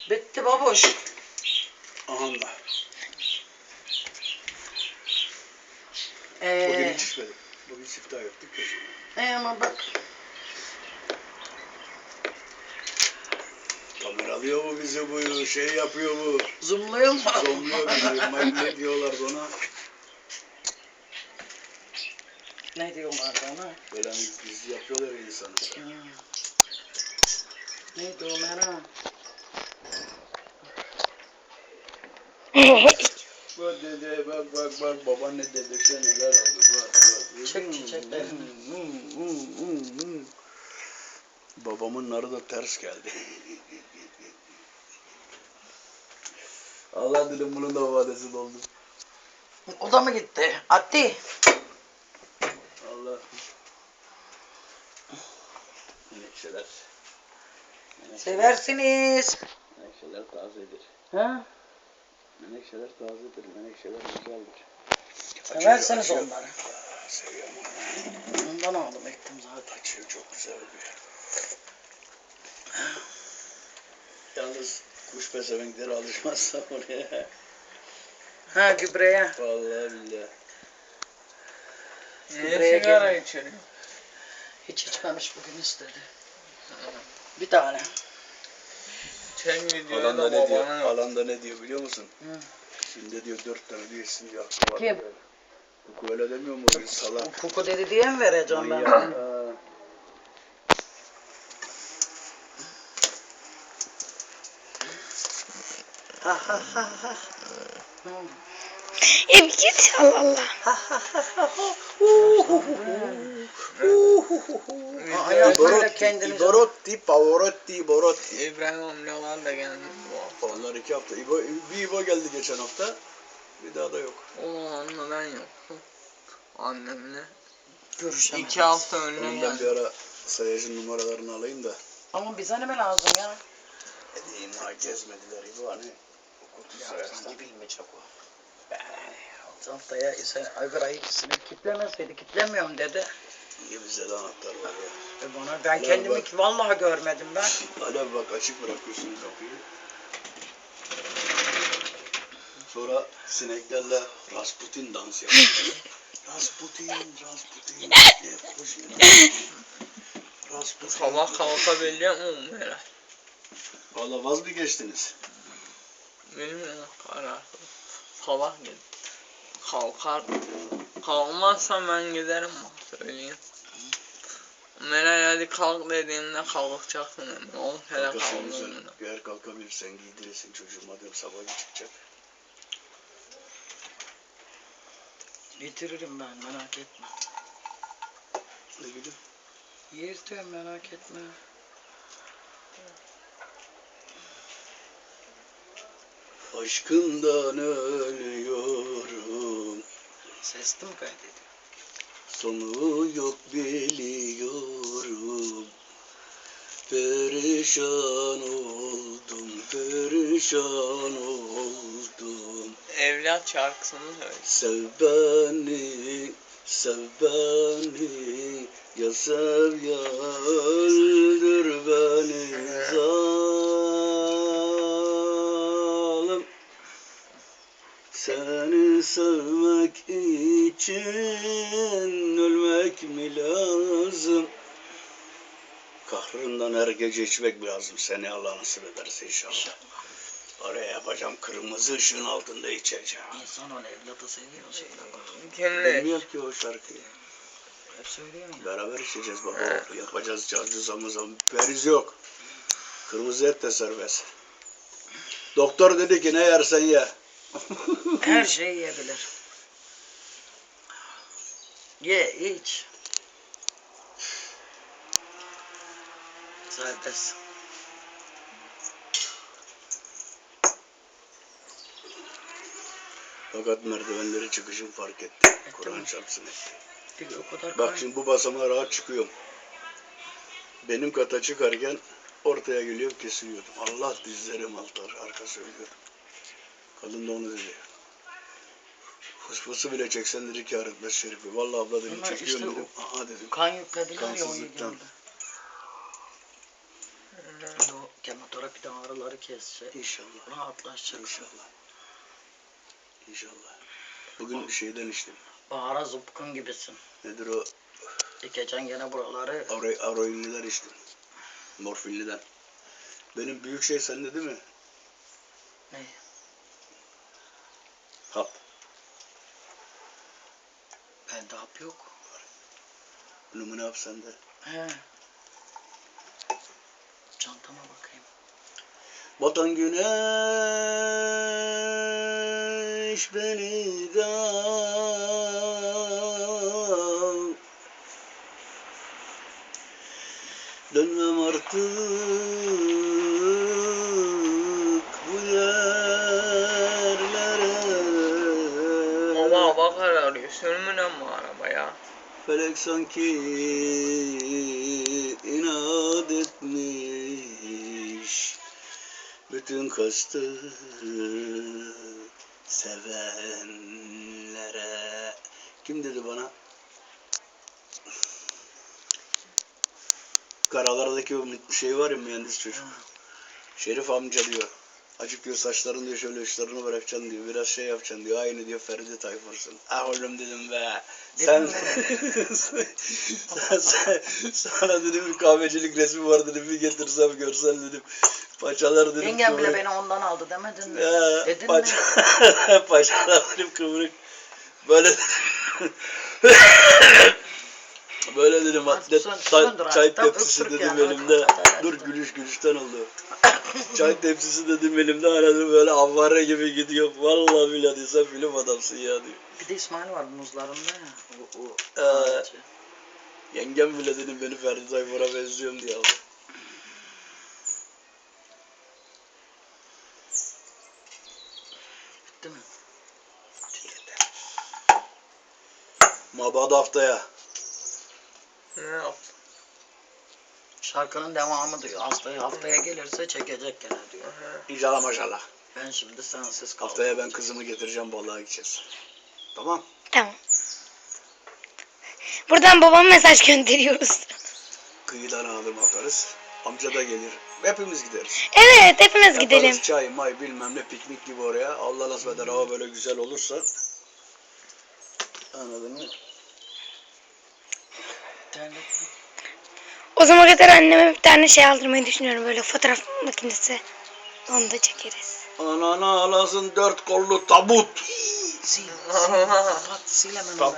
Bitti baboş. Aha da. Bugün hiç içmedim. Bugün siftah yaptık ya. Ama bak. Kamera alıyor bu bizi bu şey yapıyor bu. Zoomluyor mu? Zoomluyor bizi. Ne diyorlardı ona? Ne diyorlardı ona? Böyle gizli yapıyorlar ya insanı. Neydi o Meral? Bak dede bak baban ne dedekte neler aldı bak. Çek çiçekleri. Babamın narı da ters geldi. Allah dilim bunun da vadesi doldu. O da mı gitti? Atti. Allah. Menekşeler. Seversiniz. Menekşeler tazedir. Ha? Menekşeler tazedir. Menekşeler güzeldir. Seversiniz onları. Seviyorum. Ondan aldım ektim zaten. Açıyor çok güzel oluyor. Yalnız kuş pezevenkleri alışmazsa oraya. Ha gübreye. Vallahi billahi. Niye sigara içiyor? Hiç içmemiş bugün istedi. Bir tane. Çek videoyu Alanda da ne diyor? babana. Alanda ne diyor biliyor musun? Hı. Şimdi diyor 4 tane diyor isim diyor. Hakkı var Kim? diyor. Kuku öyle demiyor mu? Salak. Kuku dedi diye mi vereceğim ben? Manyak. Ha ha ha ha. Ya bir git Allah Allah. Ayaklarıyla kendini... İborotti, Pavarotti. İbrahim amcalar da geldi bu hafta. Onlar 2 hafta. İbo geldi geçen hafta. Bir daha da yok. Onunla ben yoktum. Annemle. Görüşemeyiz. 2 hafta önüne Onun ben bir geldi. ara sayacın numaralarını alayım da. Ama bize ne lazım ya? Edeyim ha gezmediler İbo hani. Okutu sayarsan. Sanki bilmeyecek o. Haftaya sen Aygır ikisini kitlemeseydi kitlemiyorum dedi. İyi bize de anahtar var ya. Bana ben Ulan kendimi bak. ki vallahi görmedim ben. Hala bak açık bırakıyorsun kapıyı. Sonra sineklerle Rasputin dans yapıyor. Rasputin. Hoş Rasputin. Sabah kalkabilecek miyim Meral? Valla vaz mı geçtiniz? Bilmiyorum kararsız. Sabah git. Kalkar. Kalkmazsam ben giderim bak söyleyeyim. Meral hadi kalk dediğimde kalkacaksın hemen. 10 kere Kalkasın güzel. kalkıyorum. Eğer kalkabilirsen giydirirsin çocuğum. Hadi sabah çıkacak. Getiririm ben merak etme. Ne gülüm? Yeriz diyorum merak etme. Aşkından ölüyorum. Sesli mi kaydediyor? Sonu yok biliyorum. Perişan oldum. Evlat şarkısını söyle. Sev beni, ya sev ya öldür beni zalim. Seni sevmek için ölmek mi lazım? Kahrından her gece içmek lazım. Seni Allah nasip ederse inşallah. Oraya yapacağım kırmızı ışığın altında içeceğim. İnsan onu evlatı seviyor şeyler bak. Kimle? Bilmiyor ki o şarkıyı. Hep söylüyor ya. Beraber içeceğiz baba. Yapacağız cazcı zamı. Periz yok. Kırmızı et de serbest. Doktor dedi ki ne yersen ye. Her şeyi yiyebilir. Ye iç. Serbest. Fakat merdivenleri çıkışım fark etti. Kur'an çarpsın etti. O kadar Bak şimdi bu basamağa rahat çıkıyorum. Benim kata çıkarken ortaya geliyorum kesiliyordum. Allah dizlerim altar arkası ölüyordum. Kadın da onu dedi. Fısfısı bile çeksen dedi kâr etmez şerifi. Vallahi abla dedim Ama çekiyorum işte dedim. Aha dedim. kan yüklediler ya o Kansızlıktan. yediğinde. O motora bırak bir de ağrıları kesecek. İnşallah. Rahatlaşacak. İnşallah. İnşallah. Bugün bir şeyden içtim. Bahara zıpkın gibisin. Nedir o? Dikeceksin gene buraları. Aroinliler içtim. Morfinliden. Benim büyük şey sende değil mi? Ne? Hap. Bende hap yok. Numune hap sende. He. Çantama bakayım. Batan güneş beni de al. Dönmem artık bu yerlere. Baba bakar arıyor. Sürmünen mi arabaya? Felek sanki inat etmiş. Bütün kastı sevenlere. Kim dedi bana? Karalardaki o şey var ya, mühendis çocuk. Şerif amca diyor. Acık diyor saçlarını diyor şöyle uçlarını bırakacaksın diyor. Biraz şey yapacaksın diyor. Aynı diyor Ferdi Tayfur'sun. Ah oğlum dedim be. Sen sana dedim bir kahvecilik resmi var dedim. Bir getirsem görsen dedim. Paçalar dedim. Yengem bile beni ondan aldı demedin mi? Dedin mi? Paçalar dedim kıvrık. Böyle böyle dedim atlet çay tepsisi dedim yani, elimde. hadi. Dur gülüşten oldu. Çay tepsisi dedim elimde, aradım böyle avare gibi gidiyor. Vallahi billahi sen film adamsın ya diyor. Bir de İsmail var muzlarında ya. O Yengem bile dedim beni Ferdi Tayfur'a benziyorum diye aldı. Bitti mi? Mabad haftaya. Ne yaptın? Şarkının devamı diyor. Haftaya gelirse çekecek gene diyor. İnşallah maşallah. Ben şimdi sensiz kaldım. Haftaya ben kızımı getireceğim, balığa gideceğiz. Tamam. Tamam. Buradan babama mesaj gönderiyoruz. Kıyıdan adım atarız. Amca da gelir. Hepimiz gideriz. Evet, hepimiz Yaparız gidelim. çay, may bilmem ne, piknik gibi oraya. Allah nasip eder hava böyle güzel olursa. Anladın mı? O zaman kadar anneme bir tane şey aldırmayı düşünüyorum, böyle fotoğraf makinesi. Onu da çekeriz. Anana ağlasın 4 kollu tabut. Sil. Kapat. Sil hemen.